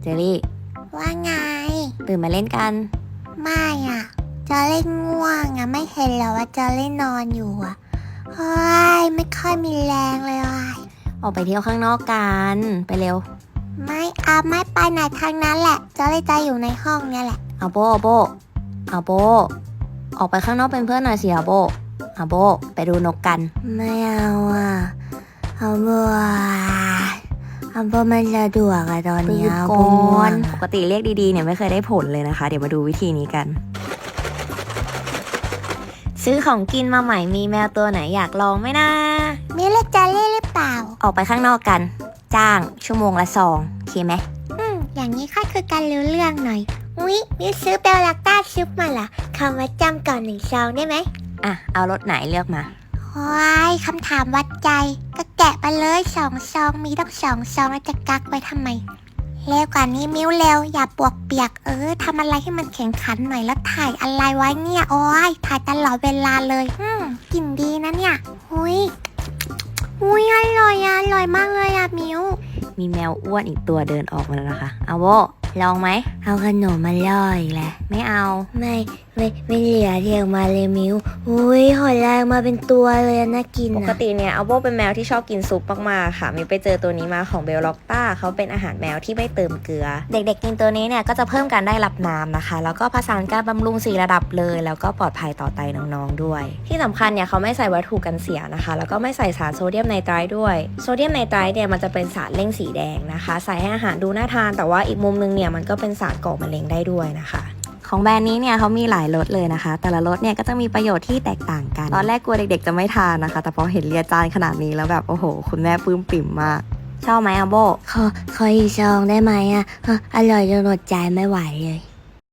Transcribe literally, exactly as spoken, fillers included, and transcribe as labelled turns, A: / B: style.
A: จอรี่
B: ว่าไง
A: ตื่นมาเล่นกัน
B: ไม่อ่ะจอเล่นง่วงอ่ะไม่เห็นเหรอว่าจอเล่นนอนอยู่อ่ะเฮ้ยไม่ค่อยมีแรงเลยว่ะ
A: ออกไปเที่ยวข้างนอกกันไปเร็ว
B: ไม่เอาไม่ไปไหนทางนั้นแหละจอเลยจะอยู่ในห้องเนี่ยแหละ
A: เอาโบเอาโบเอาโบออกไปข้างนอกเป็นเพื่อนหน่อยสิเอาโบเอาโบไปดูนกกัน
B: ไม่เอาอ่ะเอาโบเอาโบมันจะดวกอะตอนนี้เอาโบน
A: ปกติเรียกดีๆเนี่ยไม่เคยได้ผลเลยนะคะเดี๋ยวมาดูวิธีนี้กันซื้อของกินมาใหม่มีแมวตัวไหนอยากลองไหมนะ
B: มีเล็กจาเล่หรือเปล่า
A: ออกไปข้างนอกกันจ้างชั่วโมงละซองโอเคไหม
B: อืมอย่างนี้ค่อยคือการรู้เรื่องหน่อยอุ๊ยมิวซื้อเบลลักต้าซุปมาล่ะคำว่าจำก่อนหนึ่งซองได้ไหม
A: อ่ะเอารสไหนเลือกมา
B: ว้ายคำถามวัดใจก็แกะไปเลยสองซองมีต้องสองซองแล้วจะกักไว้ทำไมเร็วกว่านี้มิ้วเร็วอย่าปวกเปียกเออทำอะไรให้มันแข็งขันหน่อยแล้วถ่ายอะไรไว้เนี่ยโอ้ยถ่ายตลอดเวลาเลยอืมกลิ่นดีนะเนี่ยอุ้ยอุ้ยอร่อยอะอร่อยมากเลยอะมิ้ว
A: มีแมวอ้วนอีกตัวเดินออกมาแล้วนะคะเอาโบลองไหม
B: เอาขนมมาล่ออีกแหละ
A: ไม่เอา
B: ไม่ไม่ไม่เหลือเรียงมาเลยมิ้วอุ้ยหอยแรงมาเป็นตัวเลยน่ากิน
A: ปกติเนี่ยเอาโบเป็นแมวที่ชอบกินซุปมากๆค่ะมีไปเจอตัวนี้มาของเบลล็อกต้าเขาเป็นอาหารแมวที่ไม่เติมเกลือเด็กๆกินตัวนี้เนี่ยก็จะเพิ่มการได้รับน้ำนะคะแล้วก็ผสานการบำรุงสี่ระดับเลยแล้วก็ปลอดภัยต่อไตน้องๆด้วยที่สำคัญเนี่ยเขาไม่ใส่วัตถุกันเสียนะคะแล้วก็ไม่ใส่สารโซเดียมไนไตรท์ด้วยโซเดียมไนไตรท์เนี่ยมันจะเป็นสารเร่งสีแดงนะคะใส่ให้อาหารดูน่าทานแต่ว่าอีกมุมนึงเนี่ยมันก็เป็นสารก่อมะเร็งได้ด้วยนะคะของแบรนด์นี้เนี่ยเขามีหลายรสเลยนะคะแต่ละรสเนี่ยก็จะมีประโยชน์ที่แตกต่างกันตอนแรกกลัวเด็กๆจะไม่ทานนะคะแต่พอเห็นเรียจานขนาดนี้แล้วแบบโอ้โหคุณแม่ปลื้มปิ่มมากชอบไหมอะโบ
B: ขอขออีกซองได้ไหมอะอร่อยจนอดใจไม่ไหวเลย